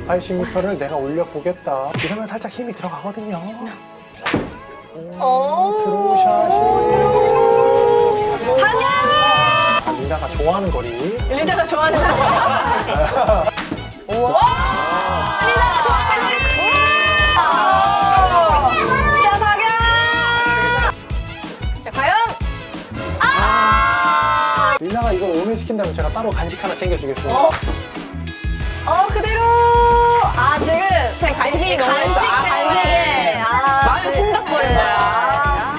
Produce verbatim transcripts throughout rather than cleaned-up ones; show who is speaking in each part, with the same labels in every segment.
Speaker 1: 백팔십 미터를 내가 올려보겠다. 이러면 살짝 힘이 들어가거든요.
Speaker 2: 오,
Speaker 1: 드로우샷이.
Speaker 2: 드로우. 방향이!
Speaker 1: 아, 리나가 좋아하는 거리.
Speaker 2: 리나가 좋아하는 거리. 우와! 리나가 좋아하는 거리. 우와! 자, 방향! 자, 과연? 아!
Speaker 1: 리나가 이걸 오면시킨다면 제가 따로 간식 하나 챙겨주겠습니다.
Speaker 2: 어? 어, 그대로! 아, 지금 그냥 간식이 너무 간식 때문에. 아,
Speaker 3: 많이 콩닥거린 거야.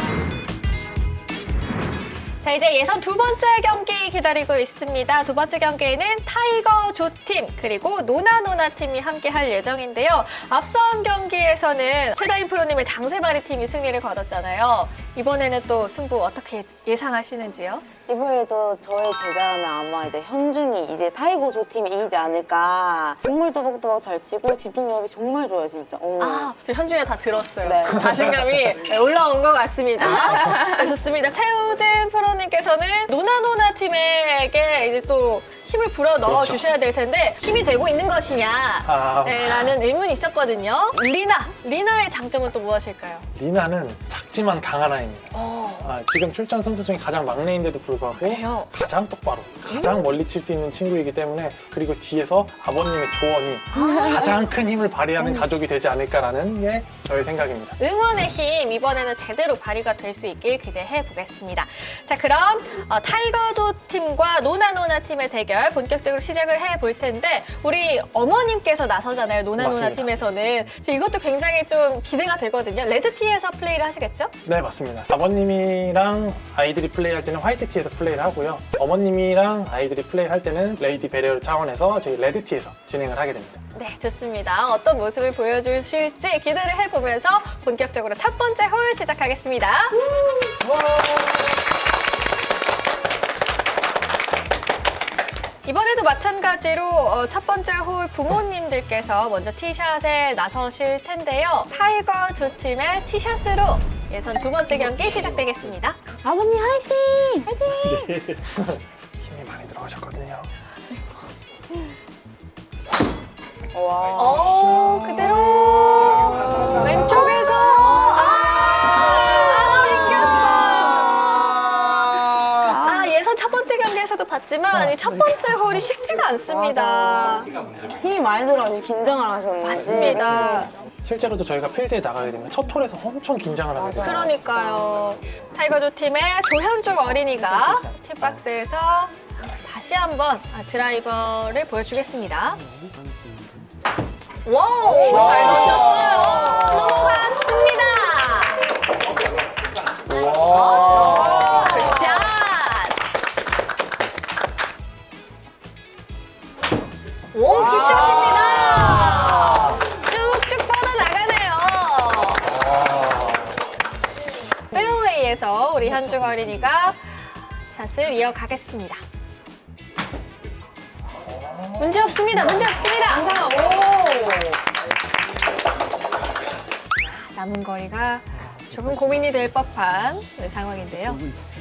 Speaker 2: 자, 이제 예선 두 번째 경기 기다리고 있습니다. 두 번째 경기에는 타이거 조 팀 그리고 노나노나 팀이 함께 할 예정인데요. 앞선 경기에서는 최다인 프로님의 장세바리 팀이 승리를 거뒀잖아요. 이번에는 또 승부 어떻게 예상하시는지요?
Speaker 3: 이번에도 저의 제자라면 아마 이제 현중이 이제 타이거 조 팀이 이기지 않을까. 정말 또박또박 잘 치고 집중력이 정말 좋아요, 진짜. 어.
Speaker 2: 아, 저 현중이 다 들었어요.
Speaker 3: 네.
Speaker 2: 자신감이 올라온 것 같습니다. 네, 좋습니다. 최우진 프로님께서는 노나노나 팀에게 이제 또 힘을 불어 넣어
Speaker 1: 그렇죠.
Speaker 2: 주셔야 될 텐데 힘이 되고 있는 것이냐
Speaker 1: 아,
Speaker 2: 네, 라는 의문이 있었거든요. 리나, 리나의 장점은 또 무엇일까요?
Speaker 1: 리나는 작지만 강한 아이입니다.
Speaker 2: 어,
Speaker 1: 아, 지금 출전 선수 중에 가장 막내인데도 불구하고
Speaker 2: 그래요?
Speaker 1: 가장 똑바로, 가장 멀리 칠 수 있는 친구이기 때문에 그리고 뒤에서 아버님의 조언이 가장 큰 힘을 발휘하는 가족이 되지 않을까라는 게 저의 생각입니다.
Speaker 2: 응원의 힘 이번에는 제대로 발휘가 될 수 있길 기대해 보겠습니다. 자, 그럼 어, 타이거조 팀과 노나노나 팀의 대결 본격적으로 시작을 해 볼 텐데 우리 어머님께서 나서잖아요. 노나노나
Speaker 1: 맞습니다.
Speaker 2: 팀에서는. 저 이것도 굉장히 좀 기대가 되거든요. 레드티에서 플레이를 하시겠죠?
Speaker 1: 네, 맞습니다. 아버님이랑 아이들이 플레이할 때는 화이트티에서 플레이를 하고요. 어머님이랑 아이들이 플레이할 때는 레이디 베리어 차원에서 저희 레드티에서 진행을 하게 됩니다.
Speaker 2: 네, 좋습니다. 어떤 모습을 보여주실지 기대를 해보면서 본격적으로 첫 번째 홀 시작하겠습니다. 이번에도 마찬가지로 어, 첫 번째 홀 부모님들께서 먼저 티샷에 나서실 텐데요. 타이거 조 팀의 티샷으로 예선 두 번째 경기 시작되겠습니다.
Speaker 3: 아버님 화이팅!
Speaker 2: 화이팅!
Speaker 1: 힘이 많이 들어가셨거든요.
Speaker 3: 와.
Speaker 2: 오, 그대로 왼쪽에서 아, 땡겼어. 아, 예선 첫 번째 경기에서도 봤지만 이 첫 번째 홀이 쉽지가 않습니다.
Speaker 3: 힘이 많이 들어가지고 긴장을 하셨네.
Speaker 2: 맞습니다.
Speaker 1: 실제로도 저희가 필드에 나가게 되면 첫 홀에서 엄청 긴장을 하게 돼요.
Speaker 2: 그러니까요. 타이거조 팀의 조현중 어린이가 팁박스에서 다시 한번 드라이버를 보여주겠습니다. 와우, 잘 던졌어요. 넘어갔습니다.
Speaker 1: 와.
Speaker 2: 굿샷. 오, 굿샷입니다. 쭉쭉 뻗어나가네요. 페어웨이에서 우리 현중 어린이가 샷을 이어가겠습니다. 문제 없습니다. 문제 없습니다. 남은 거리가 조금 고민이 될 법한 네, 상황인데요.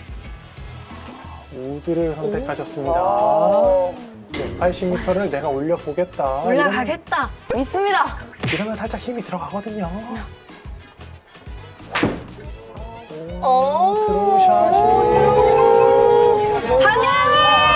Speaker 1: 우드를 선택하셨습니다.
Speaker 3: 와.
Speaker 1: 백팔십 미터를 내가 올려보겠다.
Speaker 2: 올라가겠다.
Speaker 3: 믿습니다.
Speaker 1: 이러면, 이러면 살짝 힘이 들어가거든요.
Speaker 2: 오,
Speaker 1: 드로우샷이.
Speaker 2: 드로우. 방향이!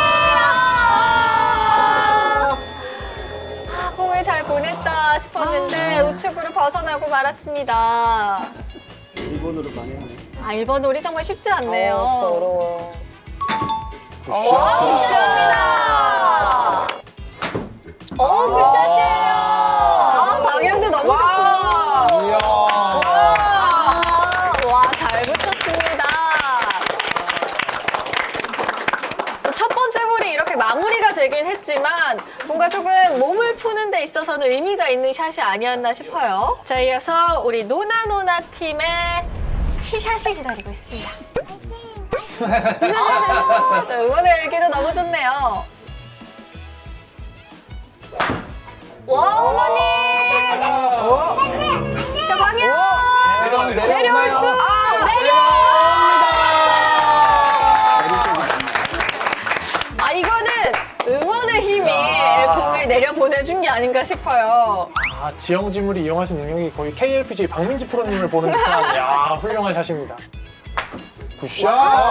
Speaker 2: 아, 공을 잘 보냈다 싶었는데 우측으로 벗어나고 말았습니다.
Speaker 4: 일 번으로 망했네.
Speaker 2: 아, 일 번 홀이 정말 쉽지 않네요.
Speaker 3: 어, 진짜 어려워요.
Speaker 2: 와, 굿샷입니다. 오, 굿샷이에요. 아, 방향도 너무 좋고.
Speaker 1: 이야.
Speaker 2: 와, 와, 잘 붙였습니다. 첫 번째 홀이 이렇게 마무리가 되긴 했지만 뭔가 조금 몸을 푸는 데 있어서는 의미가 있는 샷이 아니었나 싶어요. 자, 이어서 우리 노나노나 팀의 티샷이 기다리고 있습니다. 아, 저 응원의 열기도 너무 좋네요. 와, 어머니! 자, 방향! 내려올 수! 내려! 아, 이거는 응원의 힘이 공을 내려 보내준 게 아닌가 싶어요.
Speaker 1: 아, 지형지물이 이용할 수 있는 능력이 거의 케이엘피지 박민지 프로님을 보는 듯한 야, 훌륭한 샷입니다. 굿샷!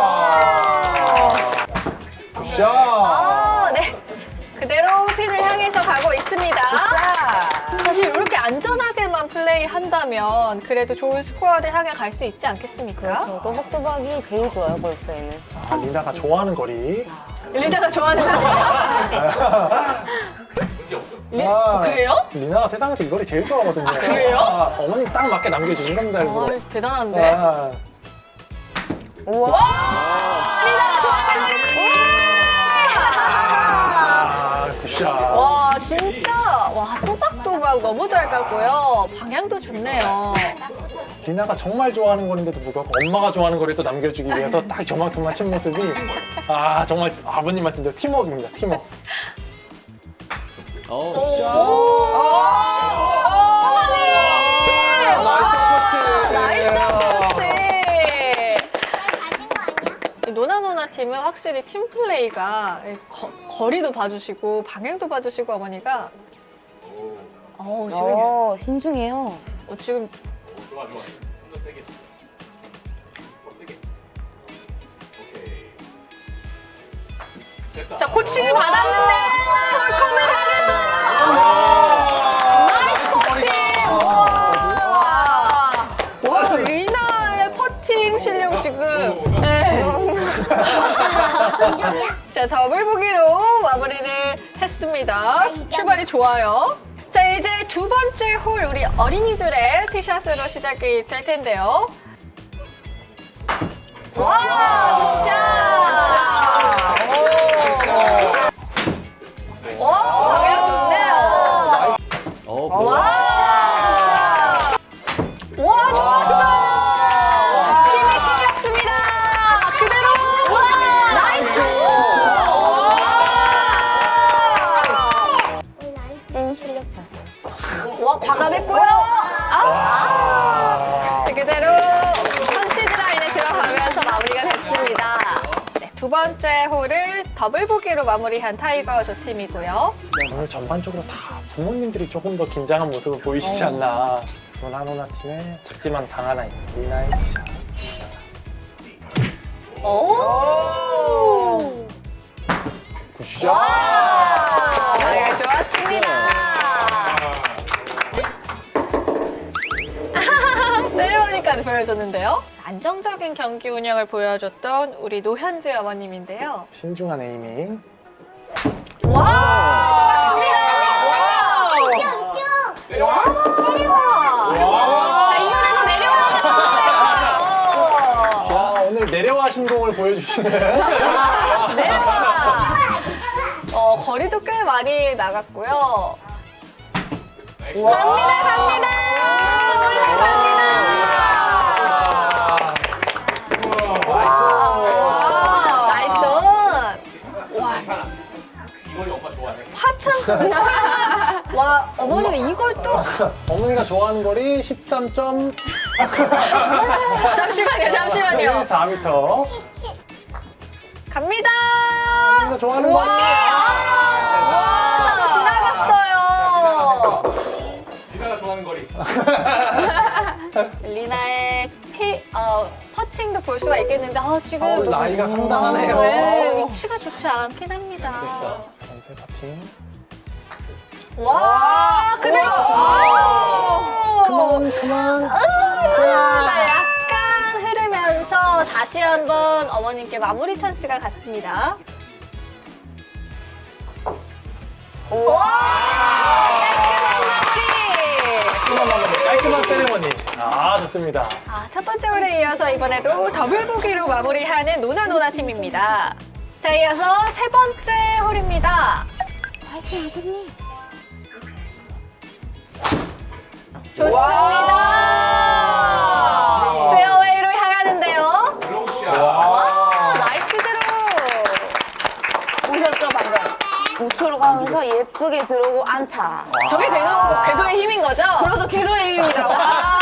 Speaker 1: 굿샷!
Speaker 2: 아, 네. 그대로 핀을 향해서 가고 있습니다. 사실 이렇게 안전하게만 플레이한다면 그래도 좋은 스코어를 향해 갈 수 있지 않겠습니까?
Speaker 3: 저 또박또박이 제일 좋아요, 골프에는.
Speaker 1: 아, 리나가 좋아하는 거리.
Speaker 2: 리나가 좋아하는 거예요? 리-
Speaker 1: 아,
Speaker 2: 그래요?
Speaker 1: 리나가 세상에서 이 거리 제일 좋아하거든요.
Speaker 2: 아, 그래요?
Speaker 1: 아, 어머님 딱 맞게 남겨주는 겁니다,
Speaker 2: 아,
Speaker 1: 일부러.
Speaker 2: 대단한데?
Speaker 1: 아,
Speaker 3: 우와.
Speaker 2: 리나가 좋아하는 거리!
Speaker 1: 아, 굿샷.
Speaker 2: 와, 진짜 와 또박또박 너무 잘 가고요. 방향도 좋네요.
Speaker 1: 리나가 정말 좋아하는 거리인데도 불구하고 엄마가 좋아하는 거리 또 남겨주기 위해서 딱 저만큼 맞춘 모습이 아, 정말 아버님 말씀대로 팀워크입니다, 팀워크.
Speaker 4: 어,
Speaker 2: 나이스 어프로치! 노나노나 팀은 확실히 팀 플레이가 거, 거리도 봐주시고 방향도 봐주시고 어머니가 어우 지금
Speaker 3: 어, 신중해요.
Speaker 2: 어, 지금 자 코칭을 받았는데 홀컵을 향해서 나이스 퍼팅! 와, 와 리나의 퍼팅 실력 지금 네. 자 더블 보기로 마무리를 했습니다. 출발이 좋아요. 자 이제 두 번째 홀 우리 어린이들의 티샷으로 시작이 될 텐데요. 와 굿샷! 오, 방향 좋네요.
Speaker 4: 어,
Speaker 2: 와! 와, 좋았어요! 힘이 실렸습니다. 그대로! 나이스!
Speaker 3: 찐 실력자.
Speaker 2: 와, 과감했고요. 아! 그대로 컨시드 라인에 들어가면서 마무리가 됐습니다. 네, 두 번째 홀을 더블 보기로 마무리한 타이거 조 팀이고요.
Speaker 1: 오늘 전반적으로 다 부모님들이 조금 더 긴장한 모습을 보이시지 않나. 노나노나 팀의 작지만 강한 아이 리나의 샷.
Speaker 2: 오!
Speaker 1: 굿샷!
Speaker 2: 와! 방향 좋았습니다. 세레머니까지 보여줬는데요. 안정적인 경기 운영을 보여줬던 우리 노현재 어머님인데요.
Speaker 1: 신중한 에이밍.
Speaker 2: 와! 좋았습니다. 와! 자, 이번에도 내려와서
Speaker 1: 자, 오늘 내려와 신공을 보여주시네.
Speaker 2: 아, 내려와. 어, 거리도 꽤 많이 나갔고요. 갑니다, 갑니다. 갑니다. 와, 나이스. 와, 화창 소리. 와, 어머니가 이걸 또
Speaker 1: 어머니가 좋아하는 거리 십삼 점
Speaker 2: 잠시만요, 잠시만요.
Speaker 1: 사 미터.
Speaker 2: 갑니다.
Speaker 1: 어머니가 좋아하는
Speaker 2: 와,
Speaker 1: 거리.
Speaker 2: 와, 저 지나갔어요.
Speaker 4: 리나가 좋아하는 거리.
Speaker 2: 리나의 티, 어, 퍼팅도 볼 수가 있겠는데, 아, 지금.
Speaker 1: 어, 나이가 상당하네요.
Speaker 2: 네, 위치가 좋지 않긴 합니다.
Speaker 1: 전세 파팅.
Speaker 2: 와, 그대로.
Speaker 1: 그만, 그만.
Speaker 2: 자, 약간 흐르면서 다시 한번 어머님께 마무리 찬스가 갔습니다. 와, 깔끔한 마무리.
Speaker 1: 깔끔한 세레머니. 아, 좋습니다.
Speaker 2: 아, 첫 번째 홀에 이어서 이번에도 더블 보기로 마무리하는 노나노나 팀입니다. 자, 이어서 세 번째 홀입니다.
Speaker 3: 화이팅, 아버님.
Speaker 2: 좋습니다. 페어웨이로 향하는데요. 와, 나이스 드로.
Speaker 3: 보셨죠, 방금? 우측으로 가면서 예쁘게 들어오고 안차.
Speaker 2: 저게 궤도, 궤도의 힘인 거죠?
Speaker 3: 그래서 궤도의 힘입니다. 와.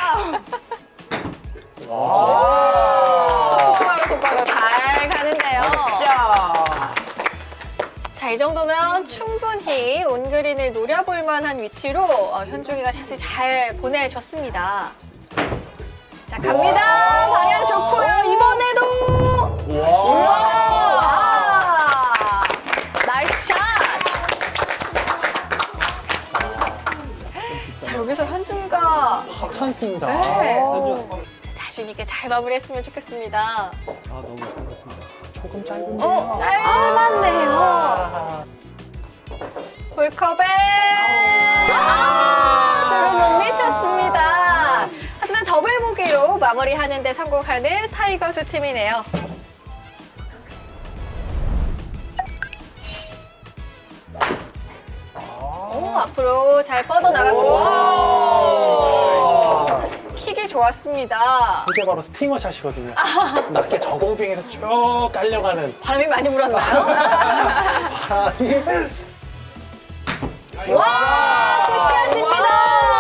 Speaker 2: 똑바로 똑바로 잘 가는데요.
Speaker 3: 자.
Speaker 2: 자, 이제 정도면 충분히 온그린을 노려볼 만한 위치로 어, 현중이가 샷을 잘 보내줬습니다. 자, 갑니다. 방향 좋고요. 이번에도 와! 나이스 샷! 자, 여기서 현중이가
Speaker 1: 하찮습니다.
Speaker 2: 네.
Speaker 1: 아,
Speaker 2: 자신 있게 잘 마무리했으면 좋겠습니다.
Speaker 4: 아 너무 예쁘다.
Speaker 1: 조금 짧은데.
Speaker 2: 어, 짧았네요.
Speaker 1: 아,
Speaker 2: 볼컵에 아, 서로 못 미쳤습니다. 하지만 더블 보기로 마무리하는 데 성공하는 타이거즈 팀이네요. 오, 앞으로 잘 뻗어나갔고
Speaker 1: 와.
Speaker 2: 킥이 좋았습니다.
Speaker 1: 이게 바로 스팅어 샷이거든요. 낮게 저공빙에서 쭉 깔려가는
Speaker 2: 바람이 많이 불었나요?
Speaker 1: 바람이.
Speaker 2: 와, 굿샷입니다.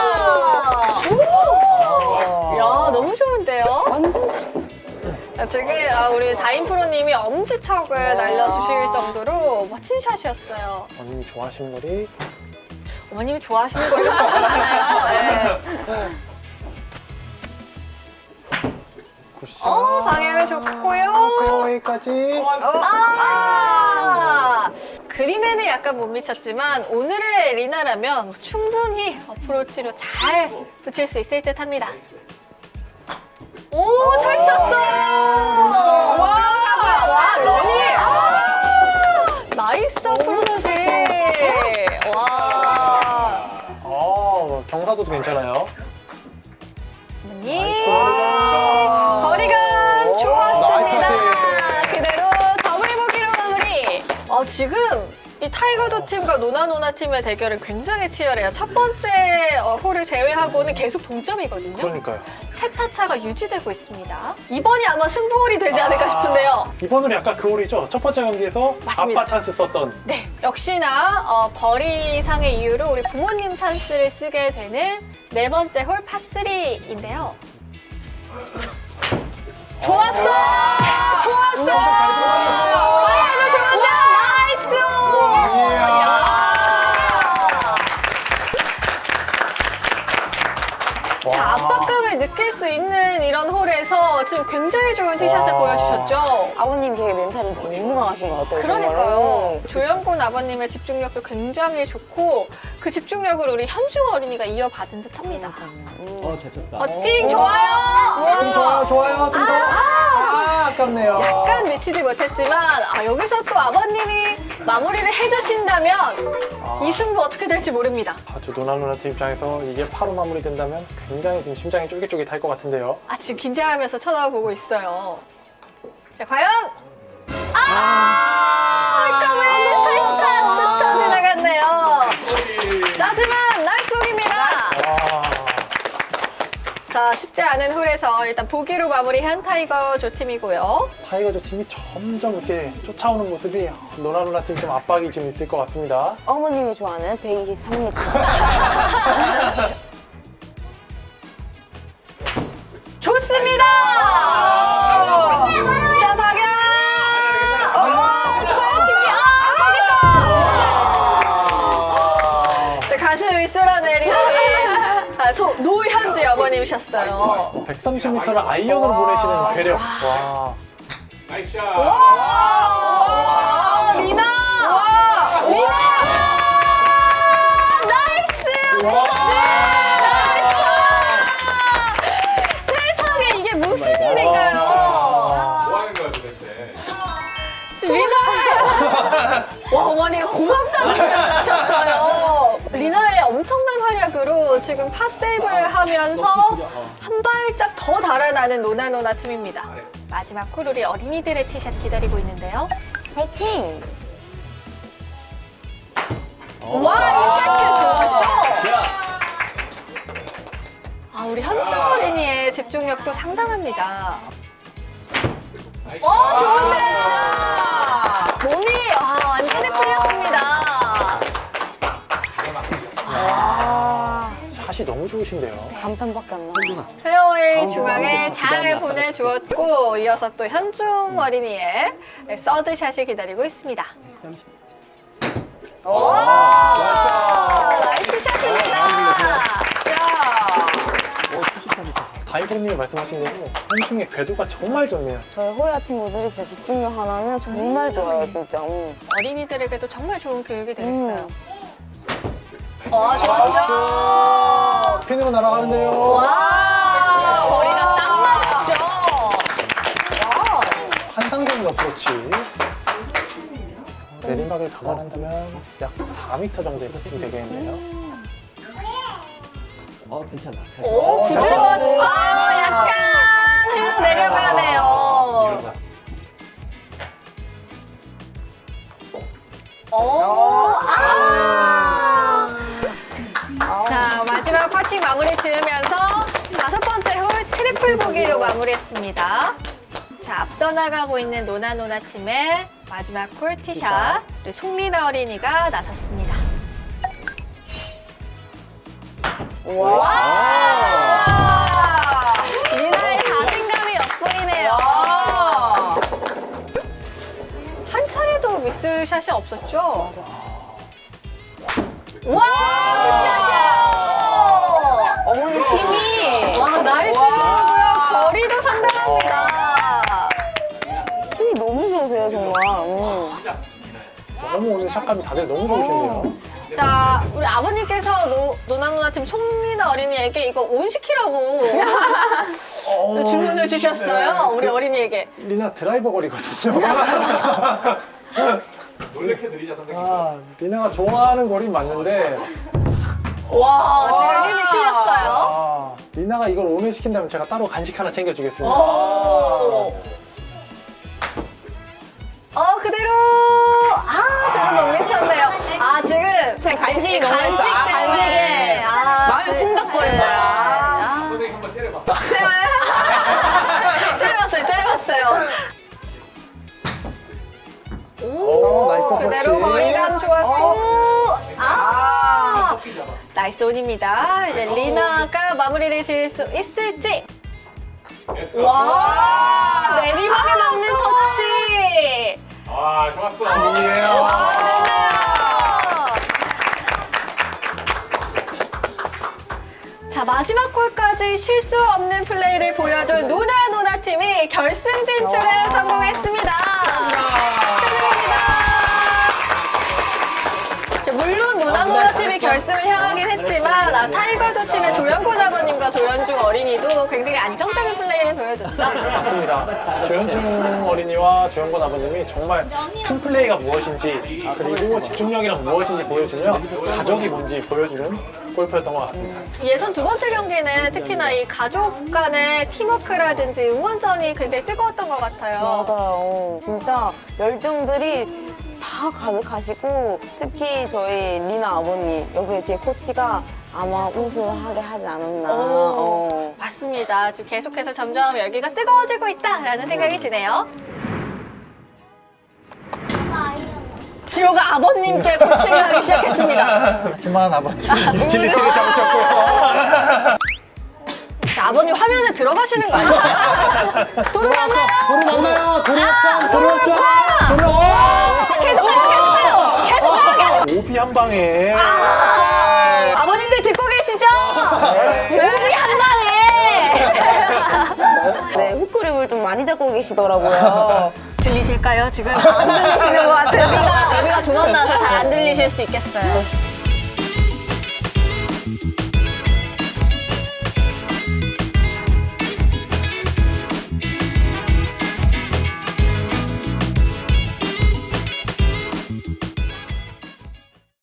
Speaker 2: 오! 야, 너무 좋은데요?
Speaker 3: 완전 잘했어.
Speaker 2: 자, 지금 아, 우리 다인 프로님이 엄지척을 날려주실 정도로 멋진 샷이었어요.
Speaker 1: 어머님이 좋아하시는 거리.
Speaker 2: 어머님이 좋아하시는 거 이렇게 많아요. 네.
Speaker 1: 굿샷.
Speaker 2: 어, 방향을 좋고요.
Speaker 1: 페어웨이까지.
Speaker 2: 아! 그린에는 약간 못 미쳤지만 오늘의 리나라면 뭐 충분히 어프로치로 잘 붙일 수 있을 듯 합니다. 오, 잘 쳤어! 와, 와, 러니! 아! 나이스 어프로치! 와.
Speaker 1: 어, 경사도도 괜찮아요.
Speaker 2: 니
Speaker 1: 거리가.
Speaker 2: 거리가
Speaker 1: 오,
Speaker 2: 좋았습니다.
Speaker 1: 나이스
Speaker 2: 그대로 더블 보기로 마무리. 어, 지금 이 타이거즈 팀과 노나노나 팀의 대결은 굉장히 치열해요. 첫 번째 어, 홀을 제외하고는 계속 동점이거든요.
Speaker 1: 그러니까요.
Speaker 2: 세타 차가 유지되고 있습니다. 이번이 아마 승부홀이 되지 않을까 싶은데요.
Speaker 1: 이번은 약간 그 홀이죠. 첫 번째 경기에서
Speaker 2: 맞습니다.
Speaker 1: 아빠 찬스 썼던.
Speaker 2: 네, 역시나 어, 거리상의 이유로 우리 부모님 찬스를 쓰게 되는 네 번째 홀 파쓰리인데요. 좋았어! 좋았어! 방향도 좋은데 나이스! 야. 자,
Speaker 1: 와.
Speaker 2: 압박감을 느낄 수 있는 이런 홀에서 지금 굉장히 좋은 티샷을
Speaker 1: 와.
Speaker 2: 보여주셨죠?
Speaker 3: 아버님 되게 멘탈이 너무 강하신 것 같아요.
Speaker 2: 그러니까요. 조영곤 아버님의 집중력도 굉장히 좋고 그 집중력을 우리 현중 어린이가 이어받은 듯합니다.
Speaker 3: 음.
Speaker 4: 어잘 쳤다.
Speaker 2: 버팅 좋아요.
Speaker 1: 좀 좋아요, 좋아요. 좀 더. 아, 아깝네요.
Speaker 2: 약간 미치지 못했지만 아, 여기서 또 아버님이 마무리를 해주신다면
Speaker 1: 아.
Speaker 2: 이 승부 어떻게 될지 모릅니다.
Speaker 1: 아주 노나노나 팀 입장에서 이게 파로 마무리된다면 굉장히 지금 심장이 쫄깃쫄깃할 것 같은데요.
Speaker 2: 아, 지금 긴장하면서 쳐다보고 있어요. 자, 과연 아, 홀컵을 살짝 스쳐 지나갔네요. 하지만 나이스 홀입니다.
Speaker 1: 와.
Speaker 2: 자, 쉽지 않은 홀에서 일단 보기로 마무리한 타이거 조 팀이고요.
Speaker 1: 타이거즈 팀이 점점 이렇게 쫓아오는 모습이 노나노나 팀 좀 압박이 좀 있을 것 같습니다.
Speaker 3: 어머님이 좋아하는 백이십삼 미터.
Speaker 2: 좋습니다. 자, 박연. 어, 좋아요, 팀이. 아, 거기서. 자, 가슴이 쓸어내리는 아, 소, 노현지 어머님이셨어요.
Speaker 1: 백삼십 미터를 아이언으로 보내시는 괴력. 와.
Speaker 4: 나이스 샷.
Speaker 2: 와, 와, 리나. 리나. 나이스. 나이스. 세상에 이게 무슨 일인가요?
Speaker 4: 뭐 하는 거야 도대체?
Speaker 2: 지금 리나의 와, 어머니가 고맙다는 표현을 하셨어요. 리나의 엄청난 활약으로 지금 팟세이브를 하면서 한 발짝 더 달아나는 노나노나 팀입니다. 마지막 홀 우리 어린이들의 티샷 기다리고 있는데요.
Speaker 3: 파이팅!
Speaker 2: 와, 임팩트 좋았죠? 아, 우리 현중 어린이의 집중력도 상당합니다.
Speaker 4: 나이스
Speaker 2: 어,
Speaker 4: 샷.
Speaker 2: 좋은데요? 몸이 아, 완전히 풀렸습니다.
Speaker 3: 아,
Speaker 1: 샷이 너무 좋으신데요.
Speaker 3: 간판밖에 안 나와.
Speaker 2: 페어웨이 중앙에 잘 보내주었고 이어서 또 현중 어린이의 서드샷이 기다리고 있습니다. 오! 나이스 샷입니다.
Speaker 1: 다이버님이 말씀하신 대로 현중의 궤도가 정말 좋네요.
Speaker 3: 저희 호야 친구들이 진짜 집중력 하나는 정말 좋아요, 진짜. 음.
Speaker 2: 어린이들에게도 정말 좋은 교육이 되겠어요.
Speaker 3: 음.
Speaker 2: 어, 좋았죠.
Speaker 1: 핀으로 날아가는데요.
Speaker 2: 와, 거리가 딱 맞았죠.
Speaker 1: 환상적인 어프로치. 내리막을 감안한다면 약 사 미터 정도의 커팅이 되겠네요.
Speaker 4: 어, 괜찮아.
Speaker 2: 오, 부드러웠죠. 약간 뒤로 내려가네요.
Speaker 4: 이러다.
Speaker 2: 오, 아. 자, 마지막 퍼팅 마무리 지으면서 다섯 번째 홀 트리플 보기로 마무리했습니다. 자, 앞서 나가고 있는 노나노나 팀의 마지막 홀 티샷, 우리 송리나 어린이가 나섰습니다. 와! 리나의 자신감이 엿보이네요. 한 차례도 미스샷이 없었죠? 와! 굿샷이에요!
Speaker 3: 어머니 힘이!
Speaker 2: 와, 나이스고요. 거리도 상당합니다.
Speaker 3: 힘이 너무 좋으세요, 정말. 음.
Speaker 1: 너무 오늘 샷감이 다들 너무 좋으신데요.
Speaker 2: 자, 우리 아버님께서 노, 노나노나 팀 송리나 어린이에게 이거 온 시키라고
Speaker 1: 어,
Speaker 2: 주문을 주셨어요.
Speaker 1: 네.
Speaker 2: 우리 어린이에게.
Speaker 1: 리나 드라이버 거리거든요.
Speaker 4: 놀래켜 드리자, 선생님.
Speaker 1: 아, 리나가 좋아하는 거리는 맞는데
Speaker 2: 와, 지금 힘이 실렸어요.
Speaker 1: 아, 리나가 이걸 오늘 시킨다면 제가 따로 간식 하나 챙겨주겠습니다.
Speaker 2: 오. 어, 그대로. 아, 조금 못 미쳤네요. 아, 지금
Speaker 3: 그냥 간식이 너무
Speaker 2: 간식
Speaker 3: 했다.
Speaker 2: 때문에. 아,
Speaker 3: 마음이
Speaker 2: 지금-
Speaker 3: 콩닥거린
Speaker 2: 네.
Speaker 3: 거야.
Speaker 2: 아,
Speaker 4: 선생님 한번 때려봐.
Speaker 2: 짧았어요, 짧았어요.
Speaker 1: 오, 나이스
Speaker 2: 그대로
Speaker 1: 터치.
Speaker 2: 거리감 좋았고. 아,
Speaker 4: 커피 잡아.
Speaker 2: 나이스 온입니다. 이제 리나가 마무리를 지을 수 있을지.
Speaker 4: 됐어.
Speaker 2: 와, 내리막에 맞는 터치.
Speaker 4: 아, 좋았어.
Speaker 1: 아니에요.
Speaker 2: 와, 됐네요. 자, 마지막 홀까지 실수 없는 플레이를 보여준 노나노나 팀이 결승 진출에 성공했습니다. 축하드립니다. 자, 물론 노나노나 팀이 결승을 향하긴 했지만 아, 타이거즈 팀의 조영곤 아버님과 조현중 어린이도 굉장히 안정적인 플레이를 보여줬죠.
Speaker 1: 맞습니다. 조현중 어린이와 조영권 아버님이 정말 팀 플레이가 무엇인지 아, 그리고 집중력이란 무엇인지 보여주며 가족이 뭔지 보여주는 골프였던 것 같습니다.
Speaker 2: 예선 두 번째 경기는 특히나 이 가족 간의 팀워크라든지 응원전이 굉장히 뜨거웠던 것 같아요.
Speaker 3: 맞아요. 진짜 열정들이 다 가득하시고 특히 저희 리나 아버님 여기 뒤에 코치가 아마 우승하게 하지 않았나.
Speaker 2: 오.
Speaker 3: 어.
Speaker 2: 맞습니다. 지금 계속해서 점점 열기가 뜨거워지고 있다라는 생각이 드네요. 지호가 아버님께 코칭을 하기 시작했습니다.
Speaker 1: 하지만 아버님 유틸리티를 잡으셨고요.
Speaker 2: 자, 아버님 화면에 들어가시는 거 아니에요? 도로 맞나요?
Speaker 1: 도로 맞나요? 도로 합참! 도로 합참!
Speaker 2: 합참!
Speaker 1: 도로!
Speaker 2: 계속 가요, 계속 가요! 계속 가요, 계속
Speaker 1: 오비 한 방에
Speaker 2: 아, 아버님들 듣고 계시죠? 우리 한 방에!
Speaker 3: 네, 훅그립을 좀 많이 잡고 계시더라고요.
Speaker 2: 들리실까요? 지금 안 들리시는 것 같아요. 우리가, 우리가 두 번 나서 잘 안 들리실 수 있겠어요.